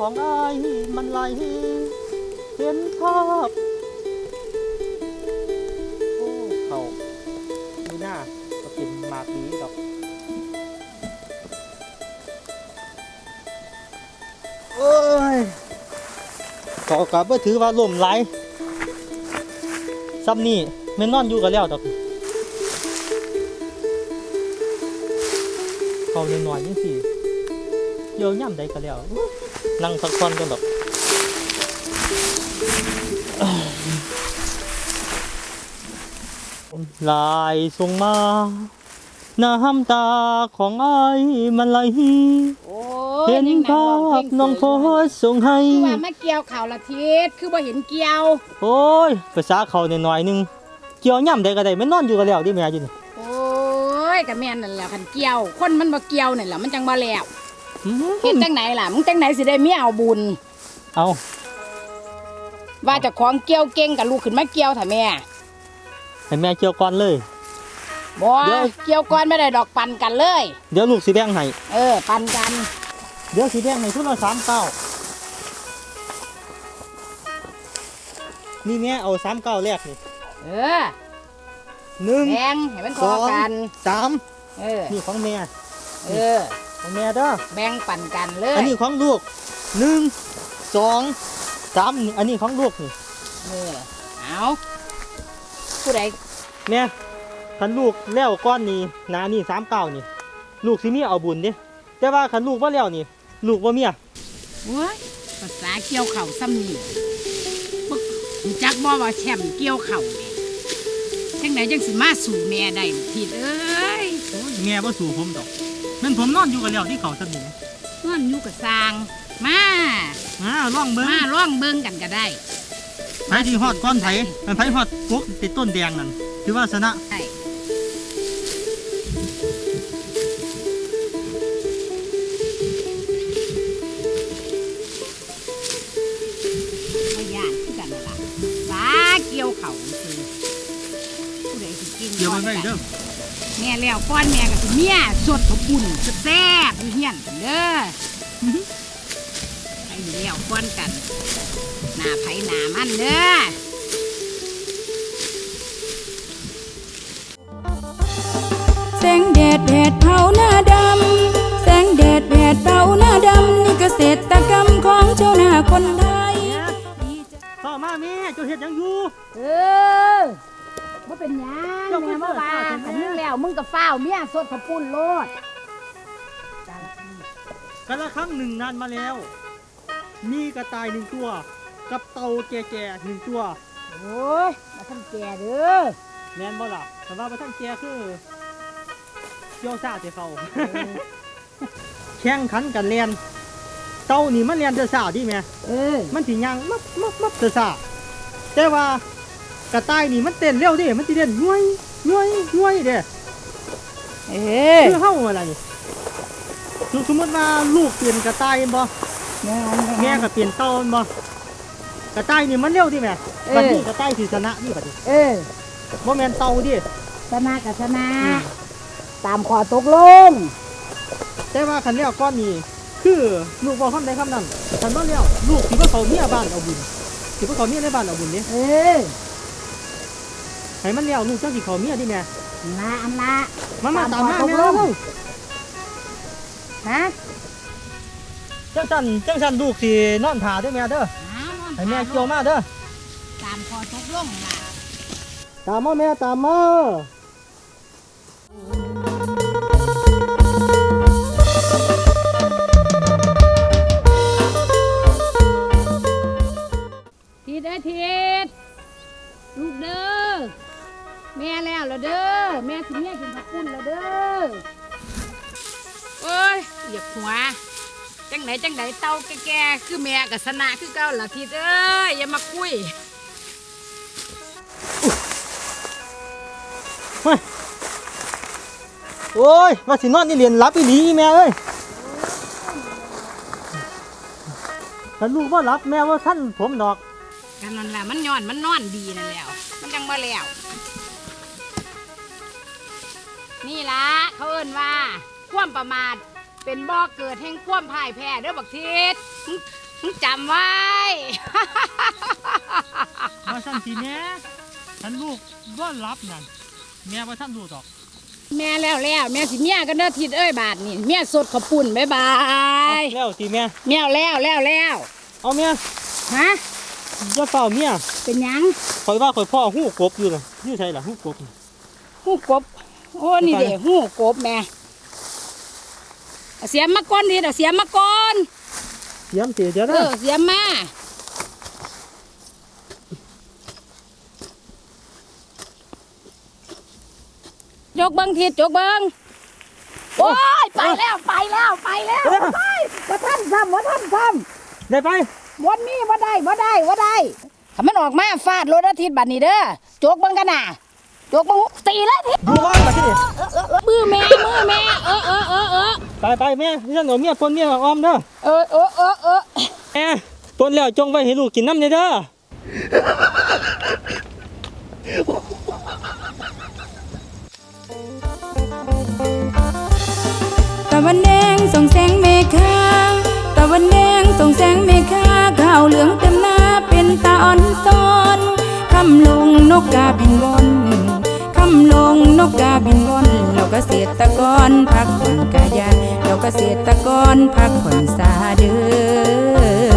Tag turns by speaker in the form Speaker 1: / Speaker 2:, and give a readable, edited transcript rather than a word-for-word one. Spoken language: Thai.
Speaker 1: ของอ้ายมันไหลเห็นภาพโอ้เขาดูหน้าก็เป็นหมากนี้ดอกโอ้ยก็กับว่าถือว่าล่มไหลซ้ำนี่แม่นอนอยู่กันแล้วดอกเขาหน่อยๆยังสิเกี่ยวย่ำใดกันแล้วนั่งพักผ่อนกันดอกลายส่งมาน้ำตาของอ้ายมันไหลเห็นภาพน้องโพสส่งให้
Speaker 2: คือว่ามาเกี่ยวข่าวละทิศคือบ่เห็นเกี่ยว
Speaker 1: โอ้ยภาษาเขาหน่อยๆนึงเกี่ยวย่ำใดก็ได้ไม่นอนอยู่กันแล้วดิแม่จินี่
Speaker 2: โอ้ยกับแม่นั่นแหละคันเกี่ยวคนมันบ่เกี่ยวนั่นแหละมันจังบ่แล้วเฮ็ดจังไหนล่ะมึงจังไหนสิได้เมียเอาบุญ
Speaker 1: เอา
Speaker 2: ว่าเจ้าของเกี่ยวเก่งกับลูกขึ้นมาเกี่ยวถ้าแม่
Speaker 1: ให้แม่เกี่ยวก่อนเลย
Speaker 2: บ่เกี่ยวก่อนไม่ได้ดอกปั่นกันเลย
Speaker 1: เดี๋ยวลูกสิแบ่งให้
Speaker 2: ปั่นกัน
Speaker 1: เดี๋ยวสิแบ่งให้ทุกละ3 เก้านี่แม่เอา3 เก้าแรกนี่1
Speaker 2: แบ่งให้มันพอกัน
Speaker 1: 3นี่ของแม่ของแม่เด้อ
Speaker 2: แบ่งปั่นกันเลย
Speaker 1: อันนี้ของลูก1 2 3อันนี้ของลูกนี่
Speaker 2: เอาผู้ใด
Speaker 1: แม่คันลูกแล้วก้อนนี้นานี่3 เก้านี่ลูกสิมีเอาบุญเด้แต่ว่าคันลูกบ่แล้วนี่ลูกบ่เมีย
Speaker 2: ว้ายภาษาเกี่ยวเข่าซ้ำนี่จักบ่ว่าแชมป์เกี่ยวเข่าจังไหนจังสิมาสู่แม่ได้ผิดเอ้ย
Speaker 1: แม่บ่สู่ผมดอกนั่นผมนอนอยู่กันแล้วที่เขาซ้ำนี่
Speaker 2: นอนอยู่กับสร้างมา
Speaker 1: ล่องเบิ่ง
Speaker 2: กันก็ได้
Speaker 1: ไผที่ฮอดก้อนไผมันไผฮอดกกติดต้นแดงนั่นถือว่าชนะ
Speaker 2: ใช่เกี่ยวเข่าคือผู้ใดสิกิน
Speaker 1: เกี่ยวไม่เด้อ
Speaker 2: แม่แล้วก้อนแม่ก็สิเมียสดขบุ่นแซ่บเฮียนกันเด้อไอ้แล้วก้อนกันหน้าไผหน้ามันเด้อ
Speaker 3: แสงแดดเผาหน้าดำแสงแดดเผาหน้าดำนี่เกษตรกรรมของชาวนาคนไทย
Speaker 1: พ่อมาแม่เจ้าเฮ็ดยังอยู่
Speaker 2: บ่เป็นหยังแม่มาว่าคันมึงแล้วมึงก็ฟ้าวเมียสดขปุ่นโลด
Speaker 1: กันละครั้งหนึ่งนานมาแล้วมีกระต่าย1 ตัวกับเต่าแก่ๆ1 ตัว
Speaker 2: โอ้ยมาทำแก่เด้อ
Speaker 1: แม่นบ่ล่ะแต่ว่ามาทำแก่คือเกี่ยวซ่าแต่เขาแข่งขันกันเรียนเต่านี่มันเรียนแต่ซ่าดิแม่มันสิย่างมับแต่ซ่าแต่ว่ากระต่ายนี่มันเต้นเร็วดิมันสิเต้นย้วยเด้คือเฮาอะไรนี่สมมติว่าลูกเปลี่ยนกระต่ายบ่แม่ก็เปลี่ยนเต่าบ่กระต่ายนี่มันเร็วดิแม่บัดนี้กระต่ายสิชนะนี่บัดนี้บ่แม่นเต่าดิ
Speaker 2: ชนะกับชนะตามข้อตกลง
Speaker 1: แต่ว่าคันแล้วก้อนนี้คือลูกบอกคำใดคำนั้นคันบ่แล้วลูกสิบ่เข้าเมียบ้านเอาบุญสิบ่เข้าเมียในบ้านเอาบุญเด้ให้มันแล้วลูกจังสิเข้าเมียดิแม่
Speaker 2: อันละ
Speaker 1: มาตามมาแม่
Speaker 2: ฮะ
Speaker 1: จังซั่นลูกสินอนท่าเด้อแม่เด้อให้แม่เกี่ยวมาเด้อ
Speaker 2: ตามข้อตกลงล่ะ
Speaker 1: ตามมาแม่ตามมา
Speaker 2: ทิศลูกเด้อแม่แล้วเด้อแม่สิเมียกินผักปุ้นแล้วเด้อโอ้ยเหยียบหัวจังไหนเต่าแก่ๆคือแม่กับสนะคือเก่าล่ะทิศเอ้ยอย่ามาคุย
Speaker 1: โอ้ยว่าสินอนนี่เรียนรับอีหลีแม่เอ้ยถ้าลูกว่ารับแม่ว่าท่านผมดอก
Speaker 2: กันนั่นแหละมันย้อนมันนอนดีนั่นแล้วมันยังบ่แล้วนี่ละเขาเอิ้นว่าความประมาทเป็นบ่อเกิดแห่งความพ่ายแพ้เด้อบักทิศมึงจำไว้
Speaker 1: ว่าสั่นสิแม่ฉันลูกบ่รับนั่นแม่ว่าท่านดูดอก
Speaker 2: แม่แล้วแม่สิเมียกันเด้อทิดเอ้ยบาทนี่เมียสดข้าวปุ้นบ๊ายบาย
Speaker 1: แล้วสิแม่
Speaker 2: เมียแล้ว
Speaker 1: เอาแม่
Speaker 2: ฮะ
Speaker 1: อย่าเฝ้าเมีย
Speaker 2: เป็นหยัง
Speaker 1: ข่อยว่าข่อยพ่อหู้กบอยู่น่ะอยู่ไสล่ะหู้กบ
Speaker 2: หูกบโอ้นี่เด้หูกบแม่เอาเสียมมาก่อนดิเอาเสียมมาก่อน
Speaker 1: เสียมเสียเดี๋ยวนะ
Speaker 2: เสียมมา ยกเบิ้งทิดยกเบิ้งโอ้ยไปแล้วไปบ่ท่านทำ
Speaker 1: ได้ไป
Speaker 2: บ่มีบ่ได้ถ้ามันออกมาฟาดรถอาทิตย์บัดนี้เด้อจกเบิ้งกันน่ะจกเบิ้งตีแล้วทิศ
Speaker 1: ดูว่ามาที่นี่
Speaker 2: มือแม่
Speaker 1: ไปแม่ที่ฉันเอาเมียปนเมียออมเด้อ แม่ปนแล้วจงไว้ให้ลูกกินน้ำเด้อ
Speaker 3: ตะวันแดงส่องแสงเมฆาตะวันแดงส่องแสงเมฆาข้าวเหลืองเต็มหน้าเป็นตาอ่อนซ้อนคำลงนกกาบินบนคำลงนกกาบินบนเราเกษตรกรพักผ่อนกายาเราเกษตรกรพักผ่อนสาเดือ